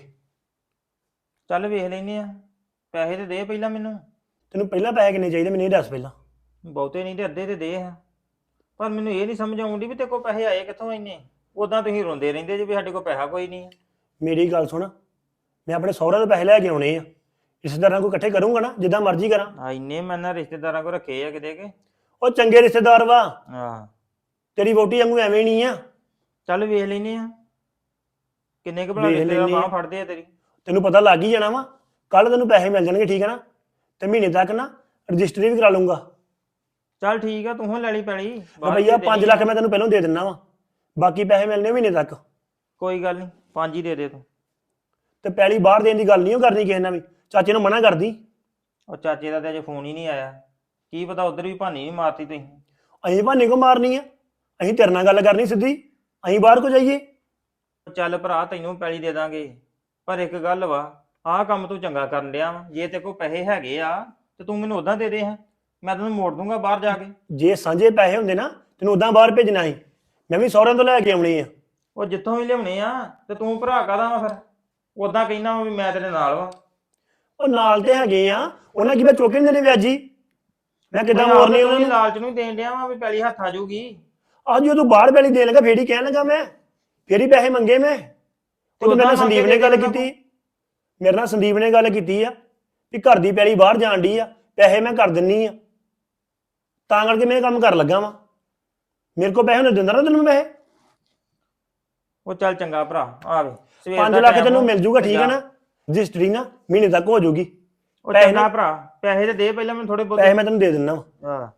ਚੱਲ ਵੇਖ ਲੈਨੇ ਆ, ਪੈਸੇ ਤੇ ਦੇ ਪਹਿਲਾਂ ਮੈਨੂੰ। ਤੈਨੂੰ ਪਹਿਲਾਂ ਪੈਸੇ ਕਿੰਨੇ ਚਾਹੀਦੇ ਮੈਨੂੰ ਇਹ ਦੱਸ ਪਹਿਲਾਂ। ਬਹੁਤੇ ਨਹੀਂ ਤੇ ਅੱਧੇ ਤੇ ਦੇ ਆ, ਪਰ ਮੈਨੂੰ ਇਹ ਨਹੀਂ ਸਮਝ ਆਉਂਦੀ ਵੀ ਤੇਰੇ ਕੋਲ ਪੈਸੇ ਆਏ ਕਿੱਥੋਂ ਇੰਨੇ। ਉਦਾਂ ਤੁਸੀਂ ਰੋਂਦੇ ਰਹਿੰਦੇ ਜੇ ਵੀ ਸਾਡੇ ਕੋਲ ਪੈਸਾ ਕੋਈ ਨਹੀਂ। ਮੇਰੀ ਗੱਲ ਸੁਣ, ਮੈਂ ਆਪਣੇ ਸਹੁਰਿਆਂ ਤੋਂ ਪੈਸੇ ਲੈ ਕੇ ਆਉਣੇ ਆ। ਰਿਸ਼ਤੇਦਾਰਾਂ ਕੋਲ ਇਕੱਠੇ ਕਰੂੰਗਾ ਨਾ, ਜਿੱਦਾਂ ਮਰਜ਼ੀ ਕਰਾਂ। ਆ ਇੰਨੇ ਮੈਂ ਨਾ ਰਿਸ਼ਤੇਦਾਰਾਂ ਕੋਲ ਰੱਖੇ ਆ ਕਿਤੇ ਕਿ। ਉਹ ਚੰਗੇ ਰਿਸ਼ਤੇਦਾਰ ਵਾ, ਆਹ ਤੇਰੀ ਵੋਟੀ ਵਾਂਗੂ ਐਵੇਂ ਨਹੀਂ ਆ। ਚੱਲ ਵੇਖ ਲੈਨੇ ਆ ਕਿੰਨੇ ਕੁ ਭਲਾ ਵੇਖ ਰਿਸ਼ਤੇਦਾਰ ਲੈਨੇ ਆ। ਬਾਂਹ ਫੜਦੇ ਆ ਤੇਰੀ। ਤੈਨੂੰ ਪਤਾ ਲੱਗ ਹੀ ਜਾਣਾ ਵਾ, ਕੱਲ ਤੈਨੂੰ ਪੈਸੇ ਮਿਲ ਜਾਣਗੇ, ਠੀਕ ਹੈ ਨਾ? ਤੇ ਮਹੀਨੇ ਤੱਕ ਨਾ ਰਜਿਸਟਰੀ ਵੀ ਕਰਾ ਲੂੰਗਾ। ਚੱਲ ਠੀਕ ਆ, ਤੂੰ ਲੈ ਲਈ ਪੈਲੀ। ਰੁਪਈਆ 5 ਲੱਖ ਮੈਂ ਤੈਨੂੰ ਪਹਿਲਾਂ ਦੇ ਦਿੰਦਾ ਵਾ, ਬਾਕੀ ਪੈਸੇ ਮਿਲਣੇ ਮਹੀਨੇ ਤੱਕ। ਕੋਈ ਗੱਲ ਨਹੀਂ, 5 ਹੀ ਦੇ ਦੇ ਤੂੰ। ਤੇ ਪੈਲੀ ਬਾਹਰ ਦੇਣ ਦੀ ਗੱਲ ਨਹੀਂ ਉਹ ਕਰਨੀ ਕਿਸੇ ਨਾਲ ਵੀ, ਚਾਚੇ ਨੂੰ ਮਨਾ ਕਰਦੀ। ਉਹ ਚਾਚੇ ਦਾ ਤੇ ਅਜੇ ਫੋਨ ਹੀ ਨਹੀਂ ਆਇਆ, ਕੀ ਪਤਾ ਉਧਰ ਵੀ ਭਾਨੀ ਨਹੀਂ ਮਾਰਤੀ ਤੁਸੀਂ। ਅਸੀਂ ਭਾਨੇ ਕੋ ਮਾਰਨੀ ਆ? ਅਸੀਂ ਤੇਰੇ ਨਾਲ ਗੱਲ ਕਰਨੀ ਸਿੱਧੀ, ਅਸੀਂ ਬਾਹਰ ਕੋ ਜਾਈਏ? ਚੱਲ ਭਰਾ ਤੈਨੂੰ ਪੈਲੀ ਦੇ ਦਾਂਗੇ, ਪਰ ਇੱਕ ਗੱਲ ਵਾ, ਆਹ ਕੰਮ ਤੂੰ ਚੰਗਾ ਕਰਨ ਡਿਆ ਵਾ। ਜੇ ਤੇ ਕੋਲ ਪੈਸੇ ਹੈਗੇ ਆ ਤੇ ਤੂੰ ਮੈਨੂੰ ਉਦਾਂ ਦੇ ਦੇ ਹਾਂ, ਮੈਂ ਤੈਨੂੰ ਮੋੜ ਦੂੰਗਾ ਬਾਹਰ ਜਾ ਕੇ। ਜੇ ਸਾਂਝੇ ਪੈਸੇ ਹੁੰਦੇ ਨਾ ਤੈਨੂੰ ਉਦਾਂ ਬਾਹਰ ਭੇਜਣਾ ਸੀ, ਮੈਂ ਵੀ ਸਹੁਰਿਆਂ ਤੋਂ ਲੈ ਕੇ ਆਉਣੀ ਆ। ਉਹ ਜਿੱਥੋਂ ਵੀ ਲਿਆਉਣੇ ਆ, ਤੇ ਤੂੰ ਭਰਾ ਕਾਹਦਾ ਵਾ ਫਿਰ? ਉਦਾਂ ਕਹਿਣਾ ਵਾ ਵੀ ਮੈਂ ਤੇਰੇ ਨਾਲ ਵਾ। ਉਹ ਨਾਲ ਤੇ ਹੈਗੇ ਆ, ਉਹਨਾਂ ਕੀ ਮੈਂ ਚੁੱਕੇ ਨਹੀਂ ਦੇਣੇ ਵਿਆਜੀ? ਮੈਂ ਕਿੱਦਾਂ ਮੋੜਨੀ ਉਹਨਾਂ ਨੂੰ? ਲਾਲਚ ਨੂੰ ਦੇਣ ਡਿਆ ਵਾ ਵੀ ਪੈਲੀ ਹੱਥ ਆ ਜਾਊਗੀ। ਅੱਜ ਜਦੋਂ ਤੂੰ ਬਾਹਰ ਪੈਲੀ ਦੇਣ ਲੱਗਾ ਫੇਰ ਹੀ ਕਹਿਣ ਲੱਗਾ ਮੈਂ, ਫੇਰ ਹੀ ਪੈਸੇ ਮੰਗੇ ਮੈਂ। ਉਹ ਮੇਰੇ ਨਾਲ ਸੰਦੀਪ ਨੇ ਗੱਲ ਕੀਤੀ, ਮੇਰੇ ਨਾਲ ਸੰਦੀਪ ਨੇ ਗੱਲ ਕੀਤੀ ਆ ਵੀ ਘਰ ਦੀ ਪੈਲੀ ਬਾਹਰ ਜਾਣ ਡਈ ਆ, ਪੈਸੇ ਮੈਂ ਕਰ ਦਿੰਨੀ ਆ, ਤਾਂ ਕਰਕੇ ਮੈਂ ਇਹ ਕੰਮ ਕਰ ਲੱਗਾ ਵਾਂ। ਮੇਰੇ ਕੋਲ ਪੈਸੇ ਨਹੀਂ ਦਿੰਦਾ ਨਾ ਤੈਨੂੰ ਮੈਂ। ਉਹ ਚੱਲ ਚੰਗਾ ਭਰਾ, ਆਵੇ 5 ਲੱਖ ਤੈਨੂੰ ਮਿਲ ਜੂਗਾ, ਠੀਕ ਹੈ ਨਾ? ਰਜਿਸਟਰੀ ਨਾ ਮਹੀਨੇ ਤੱਕ ਹੋ ਜਾਊਗੀ। ਉਹ ਪੈਸੇ ਚੰਗਾ ਨਾ- ਭਰਾ, ਪੈਸੇ ਤੇ ਦੇ ਪਹਿਲਾਂ ਮੈਨੂੰ ਥੋੜੇ ਪੈਸੇ ਬਹੁਤੇ। ਮੈਂ ਤੈਨੂੰ ਦੇ ਦਿੰਦਾ ਵਾ। ਆਹ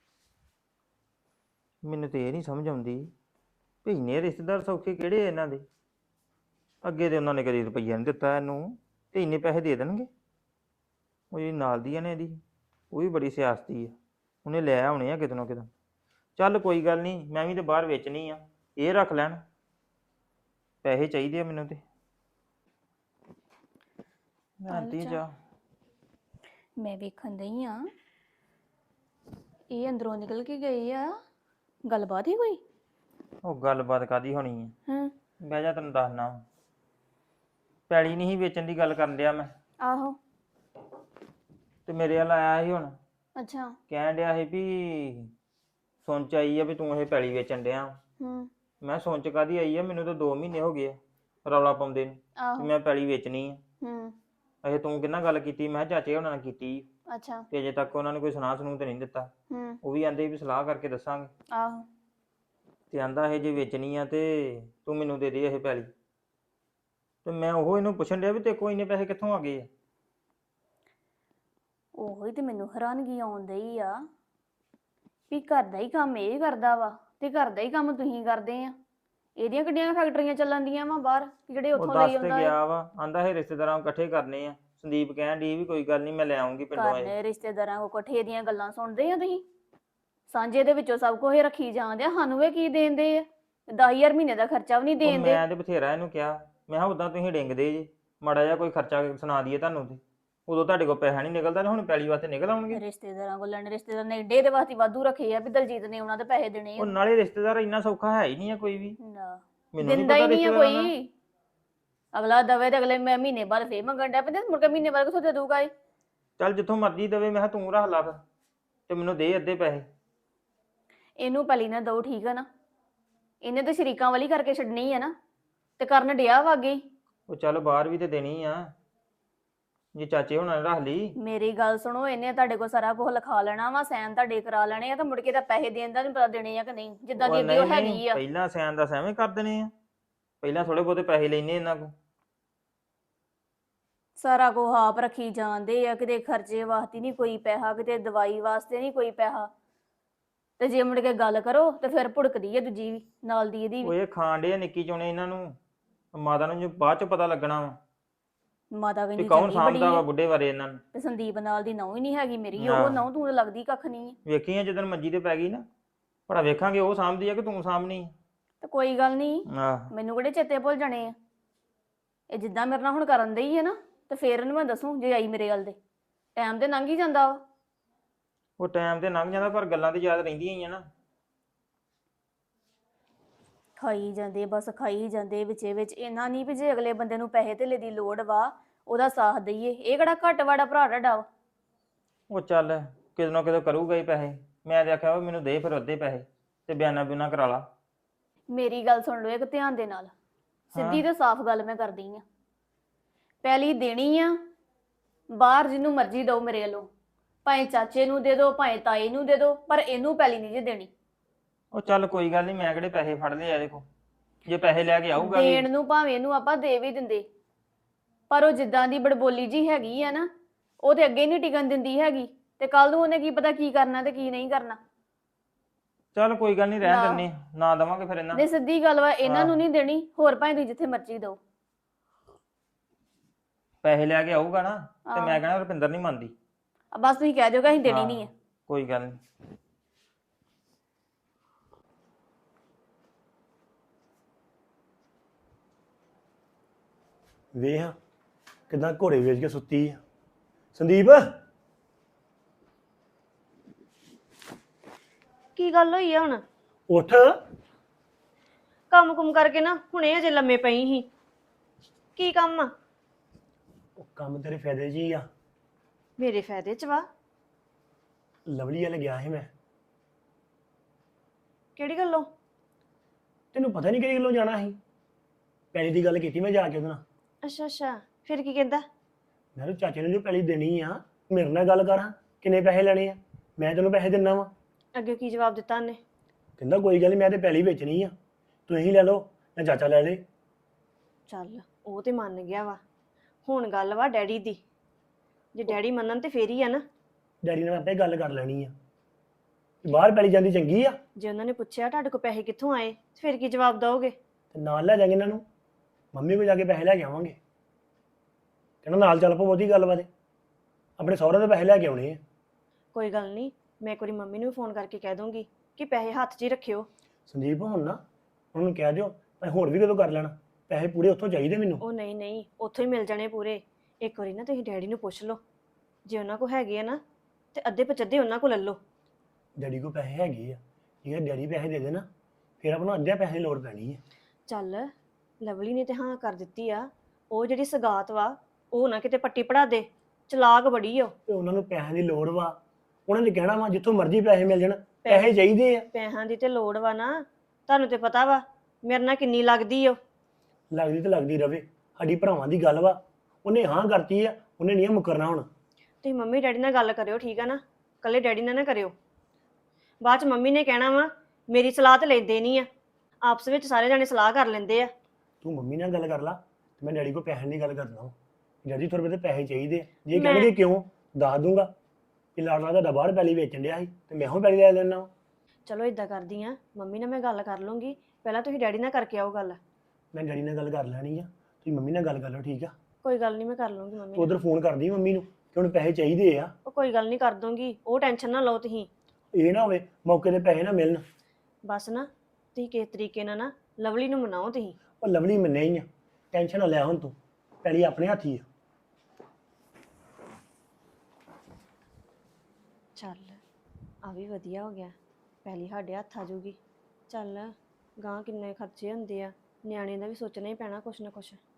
ਮੈਨੂੰ ਤੇ ਇਹ ਨਹੀਂ ਸਮਝ ਆਉਂਦੀ ਵੀ ਇੰਨੇ ਰਿਸ਼ਤੇਦਾਰ ਸੌਖੇ ਕਿਹੜੇ ਆ ਇਹਨਾਂ ਦੇ। ਅੱਗੇ ਤੇ ਉਹਨਾਂ ਨੇ ਕਦੀ ਰੁਪਈਆ ਨਹੀਂ ਦਿੱਤਾ ਇਹਨੂੰ, ਤੇ ਇੰਨੇ ਪੈਸੇ ਦੇ ਦੇਣਗੇ। ਉਹ ਜਿਹੜੀ ਨਾਲ ਦੀ ਆ ਨੇ ਇਹਦੀ, ਉਹ ਵੀ ਬੜੀ ਸਿਆਸਤੀ ਆ, ਉਹਨੇ ਲੈ ਆਉਣੇ ਆ ਕਿਤੇ ਨਾ ਕਿਤੇ। ਚੱਲ ਕੋਈ ਗੱਲ ਨਹੀਂ, ਮੈਂ ਵੀ ਤੇ ਬਾਹਰ ਵੇਚਣੀ ਆ, ਇਹ ਰੱਖ ਲੈਣ। ਪੈਸੇ ਚਾਹੀਦੇ ਆ ਮੈਨੂੰ ਤੇ। ਮੈਂ ਆਂਟੀ ਜਾ ਮੈਂ ਵੇਖਣ ਦਈ ਆ, ਇਹ ਅੰਦਰੋਂ ਨਿਕਲ ਕੇ ਗਏ ਆ, ਗੱਲਬਾਤ ਹੀ ਕੋਈ? ਉਹ ਗੱਲਬਾਤ ਕਾਦੀ ਹੋਣੀ ਆ, ਹਾਂ ਬਹਿ ਜਾ ਤੈਨੂੰ ਦੱਸਣਾ। ਪੈਲੀ ਨਹੀਂ ਸੀ ਵੇਚਣ ਦੀ ਗੱਲ ਕਰਨ ਡਿਆ ਮੈਂ, ਆਹੋ ਤੇ ਮੇਰੇ ਵੱਲ ਆਇਆ ਸੀ ਹੁਣ, ਅੱਛਾ ਕਹਿਣ ਡਿਆ ਸੀ ਵੀ ਸੁਣ ਚ ਆਈ ਆ ਵੀ ਤੂੰ ਇਹ ਪੈਲੀ ਵੇਚਣ ਡਿਆ। ਹੂੰ ਮੈਂ ਸੁਣ ਚ ਕਾਦੀ ਆਈ ਆ, ਮੈਨੂੰ ਤਾਂ 2 ਮਹੀਨੇ ਹੋ ਗਏ ਆ ਰੌਲਾ ਪਾਉਂਦੇ ਨੂੰ ਆਹੋ ਵੀ ਮੈਂ ਪੈਲੀ ਵੇਚਣੀ ਆ। ਹੂੰ ਅਜੇ ਤੂੰ ਕਿੰਨਾ ਗੱਲ ਕੀਤੀ? ਮੈਂ ਕਿਹਾ ਚਾਚੇ ਉਹਨਾਂ ਨਾਲ ਕੀਤੀ, ਅੱਛਾ ਤੇ ਅਜੇ ਤੱਕ ਉਹਨਾਂ ਨੇ ਕੋਈ ਸੁਣਾ ਸੁਣੂ ਤੇ ਨਹੀਂ ਦਿੱਤਾ। ਹੂੰ ਉਹ ਵੀ ਆਂਦੇ ਵੀ ਸਲਾਹ ਕਰਕੇ ਦੱਸਾਂਗੇ, ਆਹੋ ਤੇ ਆਂਦਾ ਇਹ ਜੇ ਵੇਚਣੀ ਆ ਤੇ ਤੂੰ ਮੈਨੂੰ ਦੇ ਦੇ ਇਹ ਪੈਲੀ। ਤੇ ਮੈਂ ਉਹ ਇਹਨੂੰ ਪੁੱਛਣ ਡਿਆ ਵੀ ਤੇ ਕੋਈ ਇੰਨੇ ਪੈਸੇ ਕਿੱਥੋਂ ਆ ਗਏ ਆ। ਉਹੀ ਤੇ ਮੈਨੂੰ ਹੈਰਾਨਗੀ ਆਉਂਦੀ ਆ ਵੀ ਘਰ ਦਾ ਹੀ ਕੰਮ ਇਹ ਕਰਦਾ ਵਾ ਤੇ ਘਰ ਦਾ ਹੀ ਕੰਮ ਤੁਸੀਂ ਕਰਦੇ ਆ। ਇਹਦੀਆਂ ਕਿੱਡੀਆਂ ਫੈਕਟਰੀਆਂ ਚੱਲਣ ਦੀਆਂ ਵਾ ਬਾਹਰ ਜਿਹੜੇ ਉਹ ਉੱਥੋਂ ਦੱਸ ਲਈ ਤੇ ਆਉਂਦਾ ਗਿਆ ਵਾ, ਆਂਦਾ ਇਹ ਰਿਸ਼ਤੇਦਾਰਾਂ ਨੂੰ ਇਕੱਠੇ ਕਰਨੇ ਆ। ਸੰਦੀਪ ਕਹਿਣ ਡਈ ਵੀ ਕੋਈ ਗੱਲ ਨਹੀਂ ਮੈਂ ਲੈ ਆਉਂਗੀ ਪਿੰਡੋਂ ਇਹ। ਕਰਨੇ ਰਿਸ਼ਤੇਦਾਰਾਂ ਕੋ ਇਕੱਠੇ ਦੀਆਂ ਗੱਲਾਂ ਸੁਣਦੇ ਆ ਤੁਸੀਂ? ਸਾਂਝੇ ਦੇ ਵਿੱਚੋਂ ਸਭ ਕੁਝ ਰੱਖੀ ਜਾਂਦੇ ਆ, ਸਾਨੂੰ ਇਹ ਕੀ ਦੇਂਦੇ ਆ? 10,000 ਮਹੀਨੇ ਦਾ ਖਰਚਾ ਵੀ ਨਹੀਂ ਉਹ ਦੇਂਦੇ। ਮੈਂ ਤੇ ਬਥੇਰਾ ਇਹਨੂੰ ਕਿਹਾ, ਮੈਂ ਕਿਹਾ ਉਦਾਂ ਤੁਸੀਂ ਡਿੰਗਦੇ ਜੇ, ਮਾੜਾ ਜਿਹਾ ਕੋਈ ਖਰਚਾ ਸੁਣਾ ਦਈਏ ਤੁਹਾਨੂੰ ਤੇ ਉਦੋਂ ਤੁਹਾਡੇ ਕੋਲ ਪੈਸਾ ਨਹੀਂ ਨਿਕਲਦਾ, ਤੇ ਹੁਣ ਪੈਲੀ ਵਾਸਤੇ ਨਿਕਲ ਆਉਣਗੇ। ਰਿਸ਼ਤੇਦਾਰਾਂ ਕੋਲ ਲੈਣੇ, ਰਿਸ਼ਤੇਦਾਰ ਨੇ ਏਡੇ ਦੇ ਵਾਸਤੇ ਵਾਧੂ ਰੱਖੇ ਆ ਵੀ ਦਲਜੀਤ ਨੇ ਉਹਨਾਂ ਦੇ ਪੈਸੇ ਦੇਣੇ ਉਹ ਆ। ਨਾਲੇ ਰਿਸ਼ਤੇਦਾਰ ਇੰਨਾ ਸੌਖਾ ਹੈ ਹੀ ਨਹੀਂ ਆ ਕੋਈ ਵੀ, ਨਾ ਮੈਨੂੰ ਨਹੀਂ ਦਿੰਦਾ ਹੀ ਪਤਾ ਨਹੀਂ ਆ ਰਿਸ਼ਤੇਦਾਰਾਂ ਦਾ। ਕੋਈ। ਅਗਲਾ ਦਵੇ ਤੇ ਅਗਲੇ ਮੈਂ ਮਹੀਨੇ ਬਾਅਦ ਫੇਰ ਮੰਗਣ ਡਿਆ ਪੈਂਦੇ, ਮੁੜ ਕੇ ਮਹੀਨੇ ਬਾਅਦ ਕਿਥੋਂ ਦੇ ਦੂਗਾ ਇਹ? ਚੱਲ ਜਿੱਥੋਂ ਮਰਜ਼ੀ ਦੇਵੇ, ਮੈਂ ਕਿਹਾ ਤੂੰ ਰੱਖ ਲਾ ਫਿਰ, ਤੇ ਮੈਨੂੰ ਦੇ ਅੱਧੇ ਪੈਸੇ। ਇਹਨੂੰ ਪਹਿਲੀ ਨਾ ਦੋ, ਠੀਕ ਆ ਨਾ? ਇਹਨੇ ਤਾਂ ਸ਼ਰੀਕਾਂ ਵਾਲੀ ਕਰਕੇ ਛੱਡਣੀ ਆ ਨਾ, ਤੇ ਕਰਨ ਡਿਆ ਵਾ ਅੱਗੇ ਹੀ। ਉਹ ਚੱਲ ਬਾਹਰ ਵੀ ਤੇ ਦੇਣੀ ਆ, ਜੇ ਚਾਚੇ ਹੁਣਾਂ ਨੇ ਰੱਖ ਲਈ। ਮੇਰੀ ਗੱਲ ਸੁਣੋ, ਇਹਨੇ ਤੁਹਾਡੇ ਕੋਲ ਸਾਰਾ ਕੁਝ ਲਿਖਾ ਲੈਣਾ ਵਾ, ਸਾਈਨ ਤੁਹਾਡੇ ਕਰਾ ਲੈਣੇ ਆ, ਤਾਂ ਮੁੜ ਕੇ ਤਾਂ ਪੈਸੇ ਦੇਣ ਦਾ ਨਹੀਂ ਪਤਾ ਦੇਣੇ ਆ ਕਿ ਨਹੀਂ, ਜਿੱਦਾਂ ਦੀ ਅੱਗੇ ਉਹ ਹੈਗੀ ਆ। ਪਹਿਲਾਂ ਸੈਨ ਦਾ ਐਵੇਂ ਕਰ ਦੇਣੇ ਆ, ਪਹਿਲਾਂ ਥੋੜੇ ਬਹੁਤੇ ਪੈਸੇ ਲੈਣੇ ਇਹਨਾਂ ਕੋਲ। ਸਾਰਾ ਕੁਝ ਆਪ ਰੱਖੀ ਜਾਂਦੇ ਆ, ਕਿਤੇ ਖਰਚੇ ਵਾਸਤੇ ਨਹੀਂ ਕੋਈ ਪੈਸਾ, ਕਿਤੇ ਦਵਾਈ ਵਾਸਤੇ ਨਹੀਂ ਕੋਈ ਪੈਸਾ, ਤੇ ਜੇ ਮੁੜ ਕੇ ਗੱਲ ਕਰੋ ਤੇ ਫਿਰ ਭੁੜਕਦੀ ਹੈ ਦੂਜੀ ਵੀ ਨਾਲ ਦੀ ਇਹਦੀ ਉਹ ਵੀ। ਇਹ ਖਾਣ ਡੇ ਨਿੱਕੀ ਚੋਣੇ ਇਹਨਾਂ ਨੂੰ, ਮਾਤਾ ਨੂੰ ਜੋ ਬਾਅਦ ਚ ਪਤਾ ਲੱਗਣਾ ਵਾ ਮਾਤਾ ਵੀ ਕਹਿੰਦੀ ਕੌਣ ਚੰਗੀ ਬੜੀ ਸਾਂਭਦਾ ਵਾ ਹੈ ਬੁੱਢੇ ਬਾਰੇ ਇਹਨਾਂ ਨੂੰ। ਤੇ ਸੰਦੀਪ ਨਾਲ ਦੀ ਨਹੁੰ ਹੀ ਨਹੀਂ ਹੈਗੀ ਮੇਰੀ, ਹਾਂ। ਉਹ ਨਹੁੰ ਤੂੰ ਤਾਂ ਲੱਗਦੀ ਕੱਖ ਨਹੀਂ ਹੈ। ਵੇਖੀਆਂ ਜਦੋਂ ਮੰਜੀ ਤੇ ਪੈ ਗਈ ਨਾ, ਭਲਾ ਵੇਖਾਂਗੇ ਉਹ ਸਾਂਭਦੀ ਆ ਕਿ ਤੂੰ ਸਾਂਭਣੀ ਤੇ ਕੋਈ ਗੱਲ ਨਹੀਂ, ਆਹ। ਮੈਨੂੰ ਕਿਹੜੇ ਚੇਤੇ ਭੁੱਲ ਜਾਣੇ ਆ। ਇਹ ਜਿੱਦਾਂ ਮੇਰੇ ਨਾਲ ਹੁਣ ਕਰਨ ਦਈ ਹੈ ਨਾ, ਤੇ ਫੇਰ ਇਹਨੂੰ ਮੈਂ ਦੱਸੂ ਜੇ ਆਈ ਮੇਰੇ ਗੱਲ ਦੇ। ਟਾਈਮ ਤੇ ਲੰਘ ਹੀ ਜਾਂਦਾ ਵਾ। ਉਹ ਟਾਈਮ ਤੇ ਲੰਘ ਜਾਂਦਾ ਪਰ ਗੱਲਾਂ ਤੇ ਯਾਦ ਰਹਿੰਦੀਆਂ ਹੀ ਆ ਨਾ। ਖਾਈ ਜਾਂਦੇ ਬਸ ਖਾਈ ਜਾਂਦੇ ਵਿੱਚੇ ਵਿੱਚ, ਇਹਨਾਂ ਨਹੀਂ ਵੀ ਜੇ ਅਗਲੇ ਬੰਦੇ ਨੂੰ ਪੈਸੇ ਧੇਲੇ ਦੀ ਲੋੜ ਵਾ ਉਹਦਾ ਸਾਥ ਦਈਏ। ਇਹ ਕਿਹੜਾ ਘੱਟ ਵਾੜਾ ਭਰਾ ਤੁਹਾਡਾ ਵਾ। ਉਹ ਚੱਲ ਕਿਤੇ ਨਾ ਕਿਤੇ ਕਰੂਗਾ ਹੀ ਪੈਸੇ। ਮੈਂ ਤੇ ਆਖਿਆ ਵਾ ਮੈਨੂੰ ਦੇ ਫਿਰ ਅੱਧੇ ਪੈਸੇ ਤੇ ਬਿਆਨਾ ਬਿਊਨਾ ਕਰਾ ਲਾ। ਮੇਰੀ ਗੱਲ ਸੁਣ ਲਓ ਇੱਕ ਧਿਆਨ ਦੇ ਨਾਲ, ਸਿੱਧੀ ਤੇ ਸਾਫ਼ ਗੱਲ ਮੈਂ ਕਰਦੀ ਆ। ਪਹਿਲੀ ਦੇਣੀ ਆ ਬਾਹਰ ਜਿਹਨੂੰ ਮਰਜ਼ੀ ਦਿਓ ਮੇਰੇ ਵੱਲੋਂ, ਭਾਵੇਂ ਚਾਚੇ ਨੂੰ ਦੇ ਦਿਓ ਭਾਵੇਂ ਤਾਏ ਨੂੰ ਦੇ ਦਿਓ, ਪਰ ਇਹਨੂੰ ਪਹਿਲੀ ਨਹੀਂ ਜੇ ਦੇਣੀ। ਉਹ ਚੱਲ ਕੋਈ ਗੱਲ ਨਹੀਂ, ਮੈਂ ਕਿਹੜੇ ਪੈਸੇ ਫੜ ਲਏ ਆ ਦੇਖੋ, ਜੇ ਪੈਸੇ ਲੈ ਕੇ ਆਊਗਾ ਵੀ। ਦੇਣ ਨੂੰ ਭਾਵੇਂ ਇਹਨੂੰ ਆਪਾਂ ਦੇ ਵੀ ਦਿੰਦੇ, ਪਰ ਉਹ ਜਿੱਦਾਂ ਦੀ ਬੜਬੋਲੀ ਜੀ ਹੈਗੀ ਆ ਨਾ, ਉਹ ਤੇ ਅੱਗੇ ਨਹੀਂ ਟਿਕਣ ਦਿੰਦੀ ਹੈਗੀ, ਤੇ ਕੱਲ ਨੂੰ ਉਹਨੇ ਕੀ ਪਤਾ ਕੀ ਕਰਨਾ ਤੇ ਕੀ ਨਹੀਂ ਕਰਨਾ। ਚੱਲ ਕੋਈ ਗੱਲ ਨਹੀਂ, ਰਹਿਣ ਨਾ। ਦਿੰਨੇ ਨਾ ਦਵਾਂਗੇ ਫਿਰ ਇਹਨਾਂ। ਨਹੀਂ ਸਿੱਧੀ ਗੱਲ ਵਾ, ਇਹਨਾਂ ਨੂੰ ਨਹੀਂ ਦੇਣੀ, ਹੋਰ ਭਾਵੇਂ ਤੁਸੀਂ ਜਿੱਥੇ ਮਰਜ਼ੀ ਦਿਓ। ਪੈਸੇ ਲੈ ਕੇ ਆਊਗਾ ਨਾ ਤੇ ਹਾਂ। ਮੈਂ ਕਹਿਣਾ ਰੁਪਿੰਦਰ ਨਹੀਂ ਮੰਨਦੀ। ਬਸ ਤੁਸੀਂ ਕਹਿ ਦਿਓਗਾ ਅਸੀਂ ਦੇਣੀ ਹਾਂ, ਨਹੀਂ ਹੈ। ਕੋਈ ਗੱਲ ਨਹੀਂ। ਵੇਖ ਕਿਦਾਂ ਘੋੜੇ ਵੇਚ ਕੇ ਸੁੱਤੀ ਆ ਸੰਦੀਪ। ਕੀ ਗੱਲ ਹੋਈ ਆ ਹੁਣ? ਉੱਠ। ਕੰਮ ਕੁਮ ਕਰਕੇ ਨਾ ਹੁਣੇ ਅਜੇ ਲੰਮੇ ਪਈ ਸੀ। ਕੀ ਕੰਮ ਆ? ਉਹ ਕੰਮ ਤੇਰੇ ਫਾਇਦੇ 'ਚ ਹੀ ਆ। ਮੇਰੇ ਫਾਇਦੇ ਚ ਵਾ? ਲਵਲੀ ਵੱਲ ਗਿਆ ਸੀ ਮੈਂ। ਕਿਹੜੀ ਗੱਲੋਂ? ਤੈਨੂੰ ਪਤਾ ਨਹੀਂ ਕਿਹੜੀ ਗੱਲੋਂ ਜਾਣਾ ਸੀ। ਪੈਲੀ ਦੀ ਗੱਲ ਕੀਤੀ ਮੈਂ ਜਾ ਕੇ ਉਹਦੇ ਨਾਲ। ਅੱਛਾ ਅੱਛਾ, ਫਿਰ ਕੀ ਕਹਿੰਦਾ? ਮੈਂ ਕਿਹਾ ਚਾਚੇ ਨੂੰ ਜੋ ਪੈਲੀ ਦੇਣੀ ਆ ਮੇਰੇ ਨਾਲ ਗੱਲ ਕਰ, ਕਿੰਨੇ ਪੈਸੇ ਲੈਣੇ ਆ, ਮੈਂ ਤੈਨੂੰ ਪੈਸੇ ਦਿੰਦਾ ਵਾ। ਅੱਗੇ ਕੀ ਜਵਾਬ ਦਿੱਤਾ ਉਹਨੇ? ਕਹਿੰਦਾ ਕੋਈ ਗੱਲ ਨਹੀਂ, ਮੈਂ ਤੇ ਪੈਲੀ ਵੇਚਣੀ ਆ, ਤੁਸੀਂ ਲੈ ਲਓ ਜਾਂ ਚਾਚਾ ਲੈ ਲੇ। ਚੱਲ ਉਹ ਤੇ ਮੰਨ ਗਿਆ ਵਾ। ਹੁਣ ਗੱਲ ਵਾ ਡੈਡੀ ਦੀ। ਜੇ ਡੈਡੀ ਮੰਨਣ ਤੇ ਫੇਰ ਹੀ ਆ ਨਾ। ਡੈਡੀ ਨਾਲ ਆਪੇ ਗੱਲ ਕਰ ਲੈਣੀ ਆ। ਬਾਹਰ ਪੈਲੀ ਜਾਂਦੀ ਚੰਗੀ ਆ। ਜੇ ਉਹਨਾਂ ਨੇ ਪੁੱਛਿਆ ਤੁਹਾਡੇ ਕੋਲ ਪੈਸੇ ਕਿੱਥੋਂ ਆਏ, ਫਿਰ ਕੀ ਜਵਾਬ ਦਓਗੇ? ਤੇ ਨਾਲ ਲੈ ਜਾਗੇ ਇਹਨਾਂ ਨੂੰ, ਮੰਮੀ ਕੋਲ ਜਾ ਕੇ ਪੈਸੇ ਲੈ ਕੇ ਆਵਾਂਗੇ। ਕਹਿੰਦਾ ਨਾਲ ਚੱਲ ਪੋ, ਬਹੁਤੀ ਗੱਲ ਬਾਤ, ਆਪਣੇ ਸਹੁਰੇ ਦੇ ਪੈਸੇ ਲੈ ਕੇ ਆਉਣੇ ਆ। ਕੋਈ ਗੱਲ ਨਹੀਂ, ਮੈਂ ਇੱਕ ਵਾਰੀ ਮੰਮੀ ਨੂੰ ਫੋਨ ਕਰਕੇ ਕਹਿ ਦੂੰਗੀ ਕਿ ਪੈਸੇ ਹੱਥ 'ਚ ਹੀ ਰੱਖਿਓ। ਸੰਦੀਪ ਹੁਣ ਨਾ ਉਹਨੂੰ ਕਹਿ ਦਿਓ ਮੈਂ ਹੋਰ ਵੀ ਕਦੋਂ ਕਰ ਲੈਣਾ, ਪੈਸੇ ਪੂਰੇ ਉੱਥੋਂ ਚਾਹੀਦੇ ਮੈਨੂੰ। ਉਹ ਨਹੀਂ ਨਹੀਂ, ਉੱਥੋਂ ਹੀ ਮਿਲ ਜਾਣੇ ਪੂਰੇ। ਇੱਕ ਵਾਰੀ ਨਾ ਤੁਸੀਂ ਡੈਡੀ ਨੂੰ ਪੁੱਛ ਲਓ, ਜੇ ਉਹਨਾਂ ਕੋਲ ਹੈਗੇ ਆ ਨਾ ਤੇ ਅੱਧੇ ਪਚੱਧੇ ਉਹਨਾਂ ਕੋਲ ਲੈ ਲਓ। ਡੈਡੀ ਕੋਲ ਪੈਸੇ ਹੈਗੇ ਆ, ਜੇ ਡੈਡੀ ਪੈਸੇ ਦੇ ਦੇਣਾ ਫਿਰ ਆਪਾਂ ਨੂੰ ਅੱਧਿਆਂ ਪੈਸੇ ਦੀ ਲੋੜ ਪੈਣੀ ਹੈ। ਚੱਲ ਲਵਲੀ ਨੇ ਤੇ ਹਾਂ ਕਰ ਦਿੱਤੀ ਆ, ਉਹ ਜਿਹੜੀ ਸਗਾਤ ਵਾ ਉਹ ਨਾ ਕਿਤੇ ਪੱਟੀ ਪੜਾ ਦੇ, ਚਲਾਕ ਬੜੀ ਓ। ਤੇ ਉਹਨਾਂ ਨੂੰ ਪੈਸਿਆਂ ਦੀ ਲੋੜ ਵਾ, ਉਹਨਾਂ ਨੇ ਕਹਿਣਾ ਵਾ ਜਿੱਥੋਂ ਮਰਜ਼ੀ ਪੈਸੇ ਮਿਲ ਜਾਣ, ਪੈਸੇ ਚਾਹੀਦੇ ਆ। ਪੈਸਿਆਂ ਦੀ ਤੇ ਲੋੜ ਵਾ ਨਾ, ਤੁਹਾਨੂੰ ਤੇ ਪਤਾ ਵਾ ਮੇਰੇ ਨਾਲ ਕਿੰਨੀ ਲੱਗਦੀ ਓ। ਲੱਗਦੀ ਤੇ ਲੱਗਦੀ ਰਵੇ, ਸਾਡੀ ਭਰਾਵਾਂ ਦੀ ਗੱਲ ਵਾ, ਉਹਨੇ ਹਾਂ ਕਰਤੀ ਆ, ਉਹਨੇ ਨਹੀਂ ਮੁਕਰਨਾ ਹੁਣ। ਤੁਸੀਂ ਮੰਮੀ ਡੈਡੀ ਨਾਲ ਗੱਲ ਕਰਿਓ, ਠੀਕ ਆ ਨਾ? ਕੱਲੇ ਡੈਡੀ ਨਾਲ ਨਾ ਕਰਿਓ, ਬਾਅਦ ਚ ਮੰਮੀ ਨੇ ਕਹਿਣਾ ਵਾ ਮੇਰੀ ਸਲਾਹ ਤੇ ਲੈਂਦੇ ਨਹੀਂ ਆ। ਆਪਸ ਵਿੱਚ ਸਾਰੇ ਜਾਣੇ ਸਲਾਹ ਕਰ ਲੈਂਦੇ ਆ। ਤੂੰ ਮੰਮੀ ਨਾਲ ਗੱਲ ਕਰ ਲਾ ਤੇ ਮੈਂ ਡੈਡੀ ਕੋਲ ਪੈਸੇ ਦੀ ਗੱਲ ਕਰਦਾ ਹਾਂ। ਡੈਡੀ ਥੋੜੇ ਬਹੁਤੇ ਪੈਸੇ ਚਾਹੀਦੇ ਆ, ਜੇ ਮੈਂ- ਕਹਿਣਗੇ ਕਿਉਂ ਦੱਸ ਦੂੰਗਾ ਕਿ ਲਾੜਨਾ ਤੁਹਾਡਾ ਬਾਹਰ ਪੈਲੀ ਵੇਚਣ ਡਿਆ ਸੀ ਤੇ ਮੈਂ ਹੁਣ ਪੈਲੀ ਲੈ ਲੈਣਾ। ਚਲੋ ਇਦਾਂ ਕਰਦੀ ਆ, ਮੰਮੀ ਨਾਲ ਮੈਂ ਗੱਲ ਕਰ ਲੂੰਗੀ, ਪਹਿਲਾਂ ਤੁਸੀਂ ਡੈਡੀ ਨਾਲ ਕਰਕੇ ਆਓ ਗੱਲ। ਮੈਂ ਡੈਡੀ ਨਾਲ ਗੱਲ ਕਰ ਲੈਣੀ ਆ, ਤੁਸੀਂ ਮੰਮੀ ਨਾਲ ਗੱਲ ਕਰ ਲਓ, ਠੀਕ ਆ? ਕੋਈ ਗੱਲ ਨਹੀਂ, ਮੈਂ ਕਰ ਲੂੰਗੀ ਮੰਮੀ ਤੂੰ ਨਾਲ। ਉਧਰ ਫੋਨ ਕਰਦੀ ਮੰਮੀ ਨੂੰ ਕਿ ਹੁਣ ਪੈਸੇ ਚਾਹੀਦੇ ਆ। ਉਹ ਕੋਈ ਗੱਲ ਨਹੀਂ, ਕਰ ਦੂੰਗੀ, ਉਹ ਟੈਨਸ਼ਨ ਨਾ ਲਓ ਤੁਸੀਂ। ਇਹ ਨਾ ਹੋਵੇ ਮੌਕੇ ਤੇ ਪੈਸੇ ਨਾ ਮਿਲਣ। ਬਸ ਨਾ ਤੁਸੀਂ ਕਿਸ ਤਰੀਕੇ ਨਾਲ ਨਾ ਲਵਲੀ ਨੂੰ ਮਨਾਓ ਤੁਸੀਂ। ਉਹ ਲਵਲੀ ਮੰਨਿਆ ਹੀ ਆ, ਟੈਨਸ਼ਨ ਨਾ ਲੈ ਹੁਣ ਤੂੰ, ਪੈਲੀ ਆਪਣੇ ਹੱਥ ਹੀ ਆ। ਚੱਲ ਆ ਵੀ ਵਧੀਆ ਹੋ ਗਿਆ, ਪਹਿਲੀ ਸਾਡੇ ਹੱਥ ਆ ਜੂਗੀ। ਚੱਲ ਗਾਂ ਕਿੰਨੇ ਖਰਚੇ ਹੁੰਦੇ ਆ, ਨਿਆਣੇ ਦਾ ਵੀ ਸੋਚਣਾ ਹੀ ਪੈਣਾ ਕੁਛ ਨਾ ਕੁਛ।